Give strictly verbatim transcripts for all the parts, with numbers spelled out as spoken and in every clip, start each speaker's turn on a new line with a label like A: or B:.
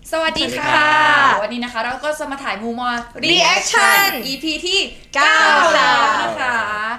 A: สวัสดีค่ะวันนี้นะคะเราก็จะมาถ่ายมูมอ
B: Reaction
A: อี พี ที่เก้าแล้วนะคะ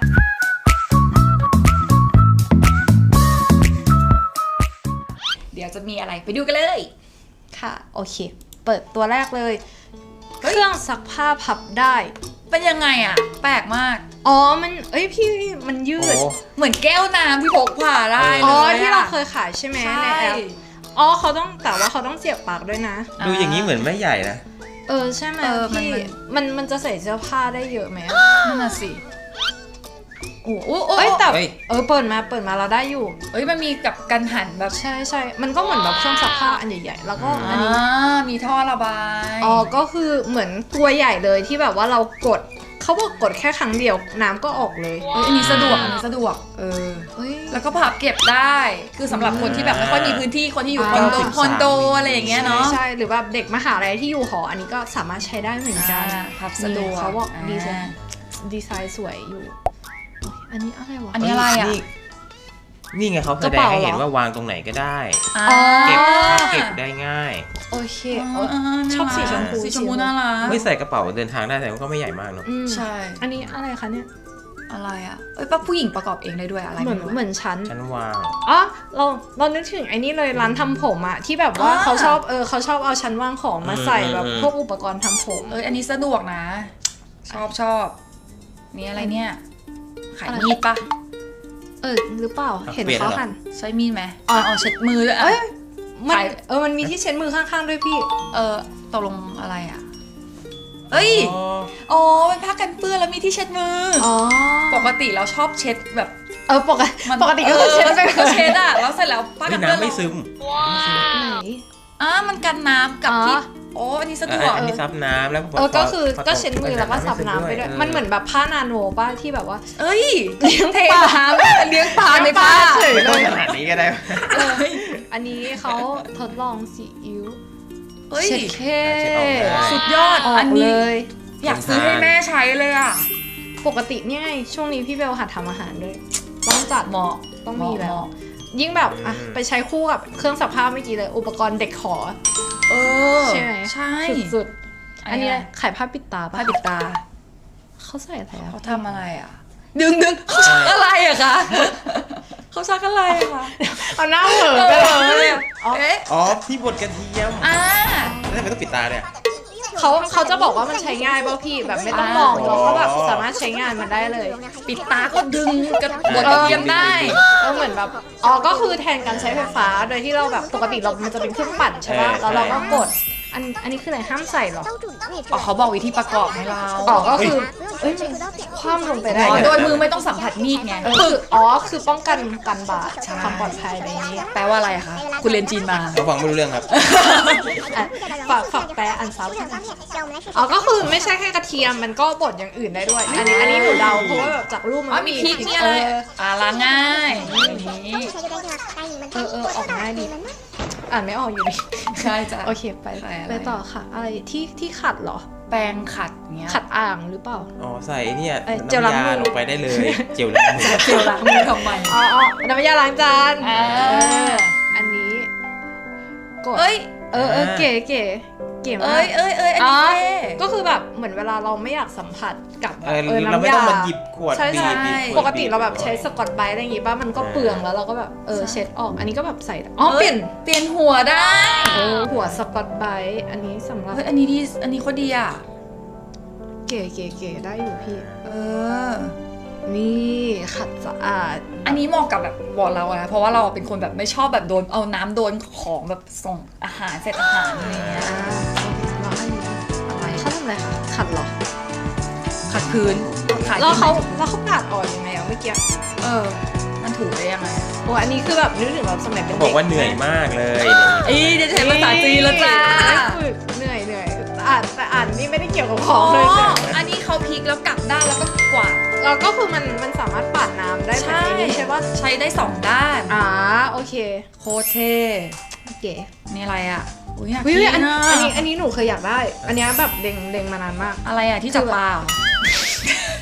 A: เดี๋ยวจะมีอะไรไปดูกันเลย
B: ค่ะโอเคเปิดตัวแรกเลยเครื่องซักผ้าพับได้
A: เป็นยังไงอ่ะแปลกมาก
B: อ๋อมันเอ้ยพี่มันยืด
A: เหมือนแก้วน้ำที่พกผ่าได้เลย
B: อ๋อที่เราเคยขายใช่ไหมในแอปอ๋อเขาต้องแต่ว่าเขาต้องเสียบปากด้วยนะ
C: ดูอย่างนี้เหมือนไม่ใหญ่นะ
B: เออใช่ไหมพี่มันมันจะใส่เสื้อผ้าได้เยอะไหม
A: นั่นน่ะสิโอ้โห
B: เอ้ยแต่เออเปิดมาเปิดมาเราได้อยู่
A: เอ้ยมันมีกับกันหันแบบ
B: ใช่ใช่มันก็เหมือนแบบเครื่องซักผ้าอันใหญ่ๆแล้วก็อันนี้
A: มีท่อระบาย
B: อ๋อก็คือเหมือนตัวใหญ่เลยที่แบบว่าเรากดเขาบอกกดแค่ครั้งเดียวน้ำก็ออกเลย
A: อันนี้สะดวกอันนี้สะดวกเออแล้วก็พับเก็บได้คือสำหรับคนที่แบบไม่ค่อยมีพื้นที่คนที่อยู่คอนโดคอนโดอะไรอย่างเงี้ยเนาะ
B: ใช่หรือว่าเด็กมหาลัยที่อยู่หออันนี้ก็สามารถใช้ได้เหมือนกัน
A: พับสะดวก
B: เขาบอกดีไซน์ดีไซน์สวยอยู่อันนี้อะไรวะ
A: อันนี้อะไรอ่ะ
C: นี่ไงเขาแสดงให้เห็นว่าวางตรงไหนก็ได้เก็บเก็บได้ง่าย
B: โอเคชอบสีชมพู
A: สีชมพูน่ารัก
C: ไม่ใส่กระเป๋าเดินทางได้แต่ก็ไม่ใหญ่มากเนาะ
B: ใช่อันนี้อะไรคะเนี่ย
A: อะไรอ่ะเอ้ยป้าผู้หญิงประกอบเองได้ด้วยอะไร
B: เหมือนเหมือนชั้น
C: ชั้นวาง
B: อ๋อเราเรานึกถึงไอ้นี่เลยร้านทำผมอะที่แบบว่าเขาชอบเออเขาชอบเอาชั้นวางของมาใส่แบบพวกอุปกรณ์ทำผม
A: เอออันนี้สะดวกนะชอบชอบนี่อะไรเนี่ยขายมีดปะ
B: เออหรือเปล่าเห็นเขาหั่น
A: ใช้มีดไหมอ๋อเช็ดมือด้วยอ่ะ
B: มันเออมันมีที่เช็ดมือข้างๆด้วยพี่
A: เออตกลงอะไรอ่ะเอ้ยอ๋อเป็นผ้ากันเปื้อนแล้วมีที่เช็ดมืออ๋อปกติเราชอบเช็ดแบบ
B: เออปกติปกติก็เช็ด
A: ก็เช็ดอ่ะแล้วเสร็จแล้วผ้ากันเปื้อน
C: น้ำไม่ซึม
B: ไหน
A: อ่ะมันกันน้ำกับที่โอ้อันนี้สะดวก
C: อันนี้ซับน้ำแล้ว
B: เออก็คือก็เช็ดมือแล้วก็ซับน้ำไปด้วยมันเหมือนแบบผ้านาโนป้าที่แบบว่า
A: เอ้ยเลี้ยงปลาเลี้ยงปลาในผ้า
C: เฉยเลยขนาดนี้ก็ได้
B: อันนี้เขาทดลองซีอิ๊ว
A: เช็ดแค่สุดยอดอันนี้อยากซื้อให้แม่ใช้เลยอ่ะ
B: ปกติเนี่ยช่วงนี้พี่เบลหัดทำอาหารด้วยต้องจัดเหมาะต้องมีแล้วยิ่งแบบอ่ะไปใช้คู่กับเครื่องซักผ้าเมื่อกี้เลยอุปกรณ์เด็กขอ
A: เออ
B: ใช่ไหม
A: ใช่
B: สุดๆอันนี้ขายผ้าปิดตา
A: ผ้าปิดตา
B: เขาใส่อะไร
A: เขาทำอะไรอ่ะดึงดึงเขาชักอะไรอะคะเขาชักอะไรอะคะ
B: เอาหน้าเหอะไปเลย
C: อ๋อที่บดกระเทียม
A: อ่า
C: แล้วทำไมต้องปิดตาเนี่ย
B: เขาเขาจะบอกว่ามันใช้ง่ายป่ะพี่แบบไม่ต้องมองเราก็แบบสามารถใช้งานมันได้เลย
A: ปิดตาก็ดึงกระบดกระเทียมได้
B: เออเหมือนแบบอ๋อก็คือแทนการใช้ไฟฟ้าโดยที่เราแบบปกติเรามันจะเป็นเครื่องปั่นใช่ป่ะแล้วเราก็กดอันอันนี้คืออะไรห้ามใส่หรอ
A: อ๋อเขาบอกวิธีประกอบให้เรา
B: อ๋อก็คือเอ้ยคว่ำลงไปได้
A: โดยมือไม่ต้องสัมผัสมีดไง
B: คืออ๋อคือป้องกันกันบาดความปลอดภัยอะไรนี้
A: แปลว่าอะไรคะคุณเรียนจีนมา
C: เราฟังไม่รู้เรื่องครับ
B: ฝากฝากแปลอันซับอ๋อก็คือไม่ใช่แค่กระเทียมมันก็บดอย่างอื่นได้ด้วยอันนี้อันนี้หนูเดาเพราะว่าแบบจากรูปมัน
A: มีพริกนี่อะไรอ่าล้างง่าย
B: เออเออออกง่ายดีอ่านไม่ออกอยู่ดี
A: ใช่จ้ะ
B: โอเคไปไปต่อค่ะอะไรที่ที่ขัดเหรอ
A: แปรงขัดเงี้ย
B: ขัดอ่างหรือเปล่า
C: อ๋อใส่เนี่ยน้ำยาลงไปได้เลยเจลล้างมือ
A: เจลล้างมือทำไม
B: อ๋อน้ำยาล้างจานอันนี้
A: กดเอ้ย
B: เออเออเก๋เก๋เก๋มาก
A: เอ้ยเอ้ยเอ้ยอันนี้
B: ก็คือแบบเหมือนเวลาเราไม่อยากสัมผัสกับ
C: เออน้ำยาเราไม่ต้องมาหยิบขวดบีบ
B: ปกติเราแบบใช้สกอตไบรท์อะไรอย่างงี้ป่ะมันก็เปลืองแล้วเราก็แบบเออเช็ดออกอันนี้ก็แบบใส่อ๋อเปลี่ยน
A: เปลี่ยนหัวได้
B: เออหัวสกอตไบรท์อันนี้สำหรับ
A: เฮ้ยอันนี้ดีอันนี้โคตรดีอ่ะ
B: เก๋เก๋เก๋ได้อยู่พี่
A: เออ
B: นี่ขัดสะอาด
A: อันนี้เหมาะกับแบบบอกเราอะเพราะว่าเราเป็นคนแบบไม่ชอบแบบโดนเอาน้ำโดนของแบบส่งอาหารเสร็จอาหารอะไรเงี้ย
B: แล้วอันนี้อะไรเขาทำอะไรคะขัดหรอ
A: ขัดพื้น
B: แล้วเขาแล้วเขาปาดออกยังไงอ่ะเมื่อกี้
A: เออมันถูได้ยังไง
B: โอ้อันนี้คือแบบนึกถึงแบบสมัยเป็นเด็ก
C: บอกว่าเหนื่อยมากเลย
A: อีเดี๋ยวใช้ภาษาจีนแล้วจ้า
B: เหนื่อยเหนื่อยอ่านแต่อ่านนี่ไม่ได้เกี่ยวกับของเลย
A: อันนี้เขาพลิกแล้วกลับด้านแล้วก็กวาด
B: แล้วก็คือมันมันสามารถปาดน้ำได้ใช่ใช่ป่ะ
A: ใช้ได้สองด้าน
B: อ่าโอเค
A: โคตรเท่
B: เก๋
A: นี่อะไรอ่ะ
B: อุ้ยอยากกินอันนี้อันนี้หนูเคยอยากได้อันนี้แบบเด้งเด้งมานานมาก
A: อะไรอ่ะที่จับปลา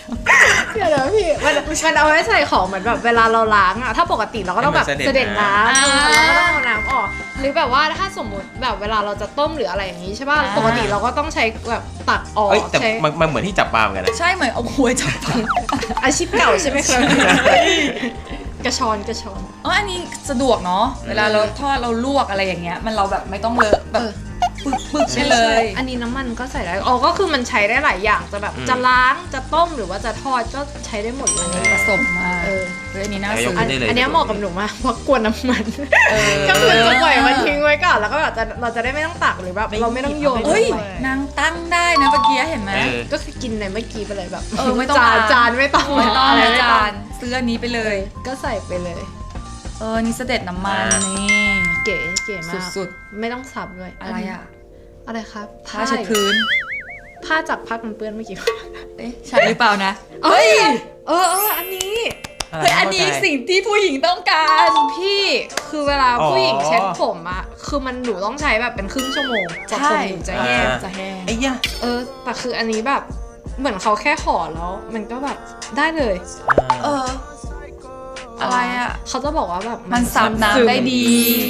B: เดี๋ยวนะพี่มันมันเอาไว้ใส่ของเหมือนแบบเวลาเราล้างอะถ้าปกติเราก็ต้องแบบเสด็จน้ำเราก็ต้องเอาน้ำออกหรือแบบว่าถ้าสมมติแบบเวลาเราจะต้มหรืออะไรอย่างนี้ใช่ป่ะปกติเราก็ต้องใช้แบบตักออก
C: แต่มันเหมือนที่จับปลาเหมือนกันนะ
A: ใช่เหมือนเอาหัวจับปลา
B: อาชีพเก่าใช่ไหมครับกระชอนกระชอน
A: อ๋ออันนี้สะดวกเนาะเวลาเราทอดเราลวกอะไรอย่างเงี้ยมันเราแบบไม่ต้องเลอะแบบปึกปึกใช่เลย
B: อันนี้น้ำมันก็ใส่ได้อ๋อก็คือมันใช้ได้หลายอย่างจะแบบจะล้างจะต้มหรือว่าจะทอดก็ใช้ได้หมดเลย
A: ผสมมาเออเรื่องนี้น่าซื้อ
B: อันนี้เหมาะกับหนูมากเพราะกลัวน้ำมันก็คือจะปล่อยมันทิ้งไว้ก่อนแล้วก็แบบจะเราจะได้ไม่ต้องตักหรือแบบเราไม่ต้องโยน
A: เฮ้ยนางตั้งได้นะเมื่อกี้เห็นไหม
B: ก็คือกินในเมื่อกี้ไปเลยแบบ
A: เออไม่ต้อง
B: จานจานไม่ต้อง
A: ไม่ต้องนะจานซื้ออันนี้ไปเลย
B: ก็ใส่ไปเลย
A: เออนี่เสด็จน้ำมันนี่
B: เก๋เก๋มาก
A: สุด
B: ๆไม่ต้องสับด้วย
A: อะไรอะ
B: อะไรครับ
A: ผ้าเช็ดพื้น
B: ผ้าจากพักมันเปื้อนเมื่อกี้
A: เอ๊ะใช่หรือเปล่านะ
B: เฮ้ยเออเอออันนี้
A: เฮ้ยอันนี้สิ่งที่ผู้หญิงต้องการ
B: พี่คือเวลาผู้หญิงเช็ดผมอะคือมันหนูต้องใช้แบบเป็นครึ่งชั่วโมงกว่าผมหนูจะแห้งจะแห้ง
C: ไอ้ยะ
B: เออแต่คืออันนี้แบบเหมือนเขาแค่ห่อแล้วมันก็แบบได้เลย
A: เอออะไรอะ
B: เขาจะบอกว่าแบบ
A: มันซับน้ำได้ดี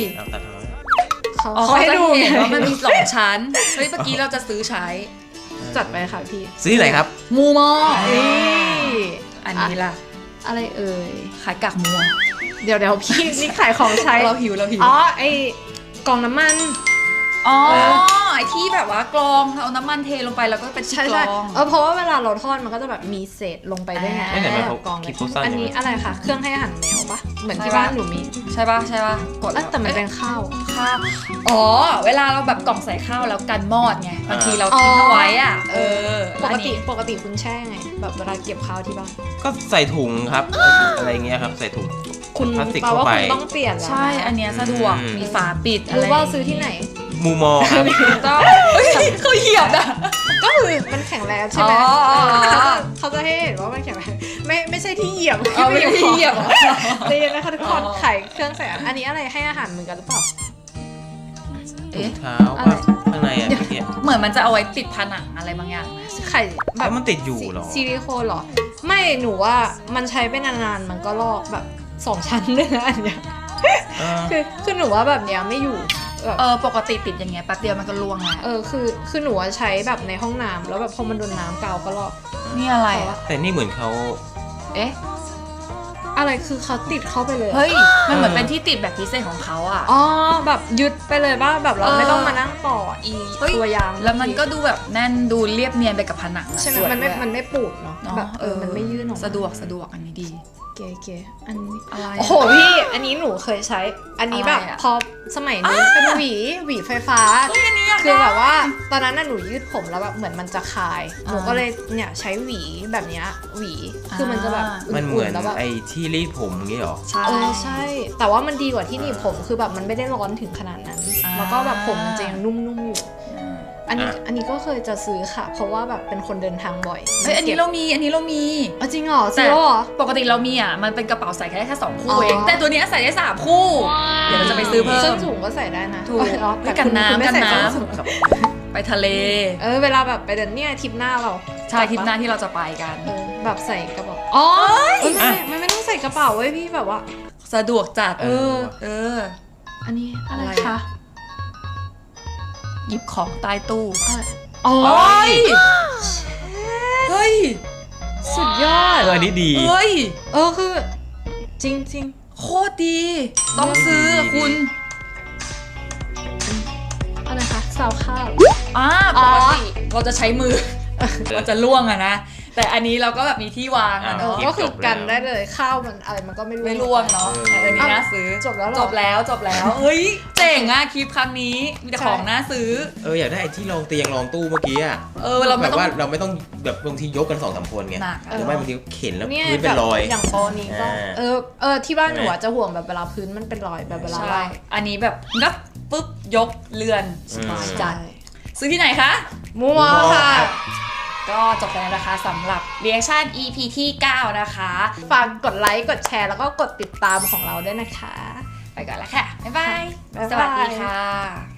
A: เขาให้ดูเห็นว่ามันมีสองชั้นเฮ้ยเมื่อกี้เราจะซื้อใช้
B: จัดไปค่ะพี่
C: ซื้อที่ไหนครับ
A: มูมอ
B: อั
A: นนี้ล่ะ
B: อะไรเอ่ย
A: ขายกากมัว
B: เดี๋ยวเดี๋ยวพี่นี่ขายของใช้
A: เราหิวเราหิว
B: อ๋อไอ้กล่องน้ำมัน
A: อ๋อไอ้ที่แบบว่ากรองเอาน้ำมันเทลงไปแล้วก็เป็นชิ้นกรอง
B: เออเพราะว่าเวลาเราทอดมันก็จะแบบมีเศษลงไปด้วยไงกรองเลยอันนี้อะไรคะเครื่องให้อาหารแมวปะเหมือนที่บ้านหนูมี
A: ใช่ปะใช่ปะ
B: กดแต่มันเป็นข้าว
A: ข้าวอ๋อเวลาเราแบบกล่องใส่ข้าวแล้วกันมอดไงบางทีเราทิ้งเอาไว้อ่ะเออ
B: ปกติปกติคุณแช่ไงแบบเวลาเก็บข้าวที่บ้าน
C: ก็ใส่ถุงครับอะไรเงี้ยครับใส่ถุง
B: คุณพลาสติกเข้าไปต้องเปลี่ยน
A: ใช่อันเนี้ยสะดวกมีฝาปิดอะไร
B: รู้ว่าซื้อที่ไหน
C: มูมอครับ
A: ต้องเขาเหยียบอ่ะ
B: ก็คือมันแข็งแรงใช่ไหมเขาจะให้เห็นว่ามันแข็งแรงไม่ไม่ใช่ที่เหยียบ
A: ไม่ใช่ที่เหยียบ
B: เลยนะคะทุกคนไข่เครื่องใส่อันนี้อะไรให้อาหารเหมือนกันหรือเปล่า
C: ถุงเท้าข้างในอ่ะ
A: เหมือนมันจะเอาไว้ติดผนังอะไรบางอย่างนะ
B: ไข่
C: แบบมันติดอยู่หรอ
B: ซิลิโคนหรอไม่หนูว่ามันใช้ไปนานๆมันก็ลอกแบบสองชั้นเลยนะอันเนี้ยคือคือหนูว่าแบบเนี้ยไม่อยู่
A: เออปกติติดอย่างเงี้ยแป๊บเดียวมันก็ล่วงแล้ว
B: เออคือคือหนูใช้แบบในห้องน้ำแล้วแบบพอมันโดนน้ำกาวก็ลอก
A: นี่อะไร
C: แต่นี่เหมือนเขา
A: เอ๊ะ
B: อะไรคือเขาติดเข้าไปเลย
A: เฮ้ยมันเหมือนเป็นที่ติดแบบพิเศษของเขาอ่ะ
B: อ๋อแบบยึดไปเลยว่าแบบเราไม่ต้องมานั่งต่ออีตัวยาง
A: แล้วมันก็ดูแบบแน่นดูเรียบเนียนไปกับผนัง
B: ใช่ไหมมันไม่มันไม่ปูดเนาะแบบเออมันไม่ยื่นออก
A: สะดวกสะดวกอันนี้ดี
B: เก๋ๆอันนี้
A: อะไร
B: โอ้โหพี่อันนี้หนูเคยใช้อันนี้แบบพอสมัยนี้เป็นหวีหวีไฟฟ้าคือแบบว่าตอนนั้นน่ะหนูยืดผมแล้วแบบเหมือนมันจะคายหนูก็เลยเนี่ยใช้หวีแบบเนี้ยหวีคือมันจะแบบ
C: มันเหมือนไอ้ที่รีดผมงี้หรอ
B: ใช่เออใช่แต่ว่ามันดีกว่าที่หนีบผมคือแบบมันไม่ได้ร้อนถึงขนาดนั้นแล้วก็แบบผมมันจะยังนุ่มๆอยู่อันนี้อันนี้ก็เคยจะซื้อค่ะเพราะว่าแบบเป็นคนเดินทางบ่อย
A: เฮ้ยอันนี้เรามีอันนี้เรามี
B: อ๋อจริงเหรอซื้อเหรอ
A: ปกติเรามีอ่ะมันเป็นกระเป๋าใส่แค่แค่สองคู่เองแต่ตัวนี้ใส่ได้สามคู่เดี๋ยวเราจะไปซื้อเพิ่ม
B: ส้นสูงก็ใส่ได้นะ
A: ถูกกันน้ำกันน้ำไปทะเล
B: เออเวลาแบบไปเดินเนี่ยทริปหน้าเรา
A: ใช่ทริปหน้าที่เราจะไปกัน
B: แบบใส่กระเป๋าอ๋อไม่ไม่ต้องใส่กระเป๋าเว้ยพี่แบบว่า
A: สะดวกจัด
B: เออ
A: เออ
B: อันนี้อะไรคะ
A: หยิบของใต้ตู้
B: อ๋อ
A: เฮ้ย
B: สุดยอด
C: เอออันนี้ดี
A: เฮ้ย
B: เออคือจริงจริง
A: โคตรดีต้องซื้อคุณ
B: อะไรคะซาวข้าว
A: อ่าปกติเราจะใช้มือเราจะล่วงอะนะแต่อันนี้เราก็แบบมีที่วางอะเนาะ
B: ก็คือกันได้เลยข้าวมันอะไรมันก็ไม่
A: ไม่ล่วงเนาะอันนี้น่าซื้อ
B: จบแล้ว
A: จบแล้วจบแล้วเฮ้ยเจ๋งอะคลิปครั้งนี้มีแต่ของน่าซื้อ
C: เอออยากได้ไอ้ที่รองเตียงรองตู้เมื่อกี้อะ
A: เออเรา
C: แบบว่าเราไม่ต้องแบบบางทียกกันสองสามคนไงหรือไม่บางทีเข็นแล้วพื้นเป็นรอย
B: อย่างปอนี้ก็เออเออที่บ้านหนูจะห่วงแบบเวลาพื้นมันเป็นรอยแบบเวลา
A: ใช่อันนี้แบบงับปุ๊บยกเลื่อนสบายจัดซื้อที่ไหนคะ
B: มูมอค่ะ
A: ก็จบแล้วนะคะสำหรับ reaction อี พี ที่เก้านะคะ
B: ฝากกดไลค์กดแชร์แล้วก็กดติดตามของเราด้วยนะคะ
A: ไปก่อนแล้วค่ะบ๊ายบายสวัสดีค่ะ